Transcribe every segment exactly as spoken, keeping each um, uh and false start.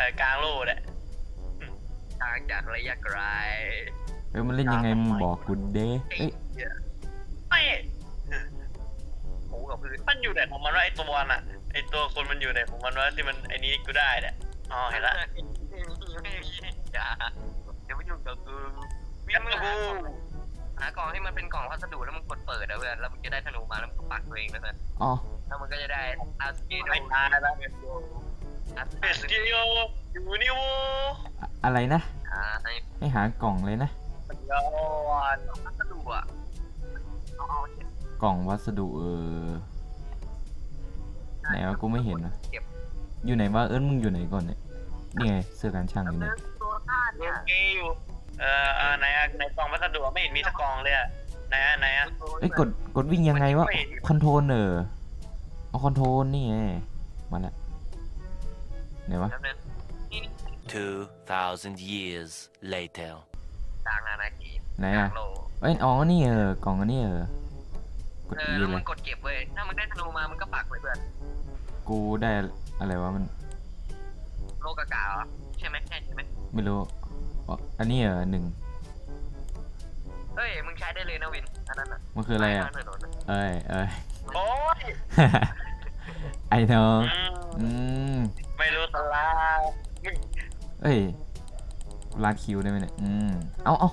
อกลางโลดอะทางจากระยะไกลเออมันเล่นยังไงมึงบอกกูเด้เอ้ยไม่หูกับพื้นมันอยู่ไหนของมันวะไอตัวน่ะไอตัวคนมันอยู่ไหนของมันวะที่มันไอนี้กูได้เนี่ยอ๋อเห็นละไม่มีไม่มีอย่าเดี๋ยวไม่ยุ่งกับกูวิ่กังบมือกูหากล่องให้มันเป็นกล่องพัสดุแล้วมึงกดเปิดนะเพื่อนแล้วมึงจะได้ธนูมาแล้วมึงก็ปักตัวเองนะเพื่อนอ๋อแล้วมันก็จะได้อาสกิโดไม่ตายแล้วอาสเอสกิโออยู่นี่โว้อะอะไรนะอ่าให้ให้หากล่องเลยนะย้อนพัสดุอ่ะเอาเอาเก็บกล่องวัสดุเออไหนวะกูไม่เห็นวะเก็บอยู่ไหนวะเอิ้นมึงอยู่ไหนก่อนเนี่ยนี่ไงเสื้อกันช่างอยู่ไหนตัวท่าโอเนี่ยเคอยู่เอ่ออ่าไหนอะในกล่องพัสดุไม่เห็นมีสักกล่องเลยอะไหนอะไหนอะเอ้ยกดกดวิ่งยังไงวะคอนโทรลเออเอาคอนโทรลนี่ไงมาละไหนวะแล้วนั้นนี่ Two thousand years later. ต่างอาณาเขตไหนต่าอ่ะงโลกเอ้ยอ๋อนี่เออกล่องอันนี้เออกดเออีอแล้วเลมึยงกดเก็บเว้ยถ้ามึงได้ธนูมามึงก็ปักเลยเพื่อนกูได้อะไรวะมันโลกากาเหรอใช่ไหมใช่ใช่ไหมไม่รู้อ๋ออันนี้เออหนึ่งเฮ้ยมึงใช้ได้เลยนะวินอันนั้นอ่ะมันคืออะไรอ่ะม่ถนนอะเอ้ยเอ้ยโอ้ยไอ้น้องอืมอืมไม่รู้สลามึงเอ้ยลาดคิวได้ไหมเนี่ยอืมเอาเอา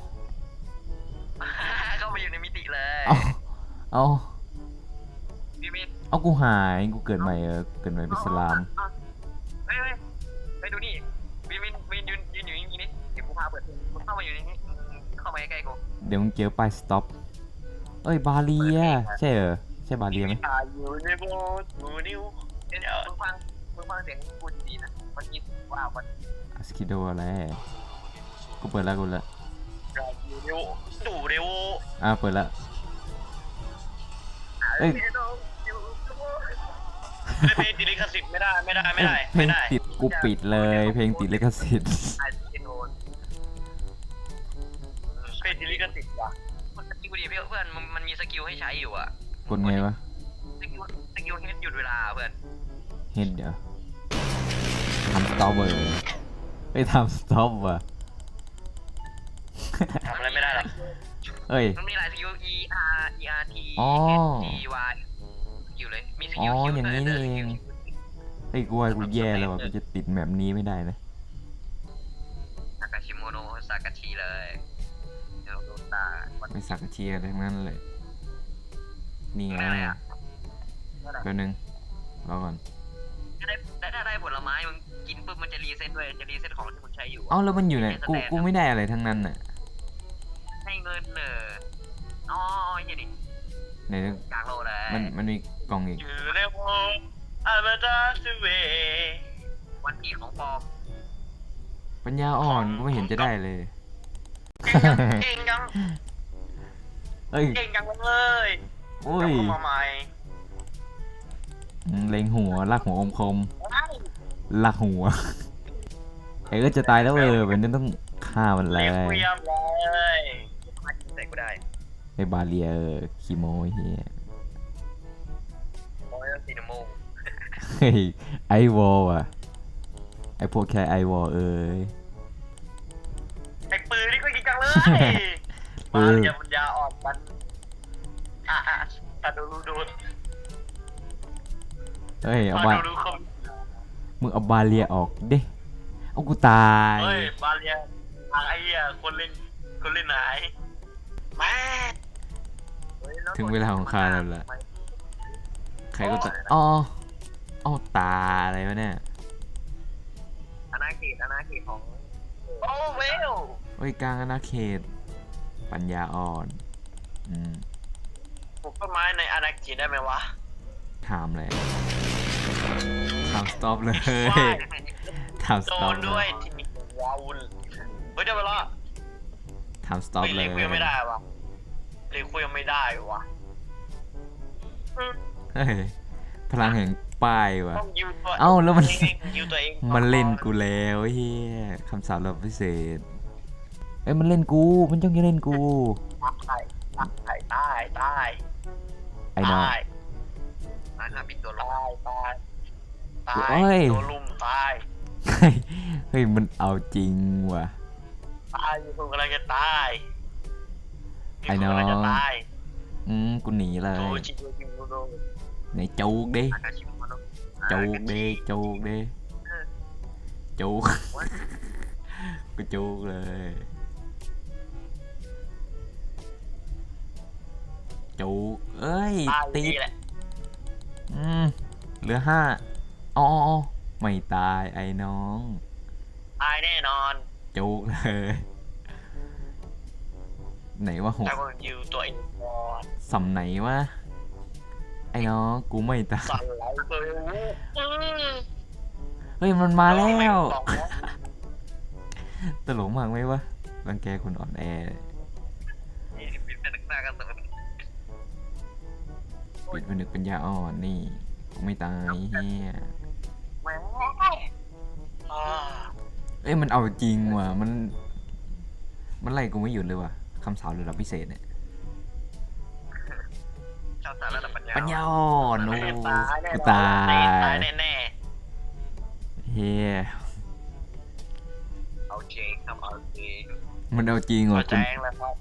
เข้าไปอยู่ในมิติเลยเอาเอาพี่มินเอากูหายกูเกิดใหม่เออเกิดใหม่เป็นสลามเฮ้ยเฮ้ยไปดูนี่วินวินวินยืนยืนอยู่อย่างนี้นี่เดี๋ยวกูพาเปิดมึงเข้ามาอยู่ในนี้เข้ามาใกล้ๆกูเดี๋ยวมึงเจอป้ายสต็อปเอ้ยบาเลียใช่เออใช่บาเลียไหมตายอยู่ในโบสถ์อยู่นิ้วเดี๋ยวมึงฟังมึงฟังเสียงกูดีๆนะมันคิดว่ามันอาสคิโดอะไรกูเปิดแล้วกูแล้วอยู่นิ้วดูเร็วอ่ะเปิดแล้ว เอ้ยไม่เพลงติดลิขสิทธิ์ไม่ได้ไม่ได้ไม่ได้เพลไม่งได้ติดกูปิดเลย เพลงติดลิขสิทธิ์ไอซีโนนเพลงติดลิขสิทธิ์ว่ะมันสกิลดีเพื่อนมันมันมีสกิลให้ใช้อยู่อ่ะกดไงวะสกิลสกิลเฮดหยุดเวลาเพื่อนเฮ็ดเดี๋ยวทำสต็อปเลยไปทำสต็อปว่ะทำอะไรไม่ได้หรอกเอ้ยมันมีหลายสกิล E R E R T อ๋อ H D Y สกิลเลยมีสอ๋กิอลคิวอย่างนี้นี่เองนี้เฮ้ยกูว่ากูแย่แล้วว่ะกูจะติดแบบนี้ไม่ได้นะซากาชิโมโนะซากาชิเลยเดี๋ยวโดนตาวันไม่สักเชียร์ทั้งนั้นเลยนี่ไงได้อะไรอ่ะแป๊บนึงรอก่อนได้ได้ได้ได้ผลไม้มึงกินปุ๊บมันจะรีเซ็ตเลยจะรีเซ็ตของที่มึงใช้อยู่เอ้าแล้วมันอยู่ไหนกูกูไม่ได้อะไรทั้งนั้นน่ะให้เงินเนออ๋อเฮียดิไหนกลางโลเลยมันมันมีกล่องอีกอยู่ในโบสถ์อามาดาสเววันที่ของปลอมปัญญาอ่อนกูไม่เห็นจะได้เลยเก่งจังเก่งจังเอ้ยเก่งจังเลยโอ้ยกลับมาใหม่อืมเล็งหัวลากหัวอมคมว้าวลากหัวไอ้ก็จะตายแล้วเออเป็นต้องฆ่ามันเลเรียยกเรียบเลยมาจิใส่กูได้ไอ้บาเลียเออคีโมเฮียโอ้ยซีนโมเฮ้ยไอวอลอ่ะไอพวกแค่ไอวอลเอ้ยไอ้ปืนนี่ก็ยิงจังเลยเอมาอเรียปัญญาอ่อนมันอ่ะอ่ะอ่ะดูดูดูเฮ้ยเอามาบาดูดูคอมมึงเอาบาเลียออกเด้เอากูตายเฮ้ยบาเรียทางไอ้เหี้ยคนเล่นคนเล่นหายแม่ถึงเวลาของข้าแล้วล่ะใครก็ตายอ๋อเอาตาอะไรวะเนี่ยอาณาเขตอาณาเขตของโอ้เวลโอ้ยกลางอาณาเขต ปัญญาอ่อนอืมปลูกต้นไม้ในอาณาเขตได้ไหมวะถามเลยถามสต็อปเลยว้ายถามสโดต็อปนเลด้วยยทีนี้ว้าวเฮ้ยเดี๋ยวไปละถามสต็อปเฮ้ยเลเรียยกคุยไม่ได้วะเรียกคุยไม่ได้วะเฮ้ยพลังแห่งป้ายว่ะต้องยูตัวเอ้าแล้วมันยูตัวเองมันเล่นกูแล้วเฮียคำสาปเราพิเศษเอ้ยมันเล่นกูมันจ้องจะเล่นกูตายตายตายตายไอ้น้องตายอาณาปิดตัวลงตายตายตาโอ้ยยโดนลุมตายเฮ้ยเฮ้ยมันเอาจริงว่ะตายมีคนกำลังจะตายมีไอ้คนน้องกำลังจะตายอืมกูหนีเลโดยชิโดจิโดโดไหนจูกดิอากาชิโมโนจูกดิจูกดิจูก กูจูกเลยจูกเอ้ยตายติดนี่แหละอืมเหลือห้าอ๋อไม่ตายไอ้น้องตายแน่นอนจูกเลย ไหนว่าหกแต่ว่าอยู่ตัวเองก่อนสำไหนวะไอ้น้องกูไม่ตายสั่นไหลเลยอืมเฮ้ยมันมาแล้วม่งสองแล้วตลกมากไหมวะรังแกคนอ่อนแอนี่เป็นเป็นหน้ากระสุนปิดผนึกปัญญาอ่อนนี่กูไม่ตายเฮียแม่งอ่าเอ้ยมันเอาจริงว่ะมันมันไล่กูไม่หยุดเลยว่ะคำสาวระดับพิเศษเนี่ยชาวสารระดับปัญญาปัญญาอ่อนโอ้ตายแน่กูนอนตาตายยแน่เฮียเอาเจงทำเอาเจงมันเอาจริงๆหัว่ะวใจกูเองแล้วครับ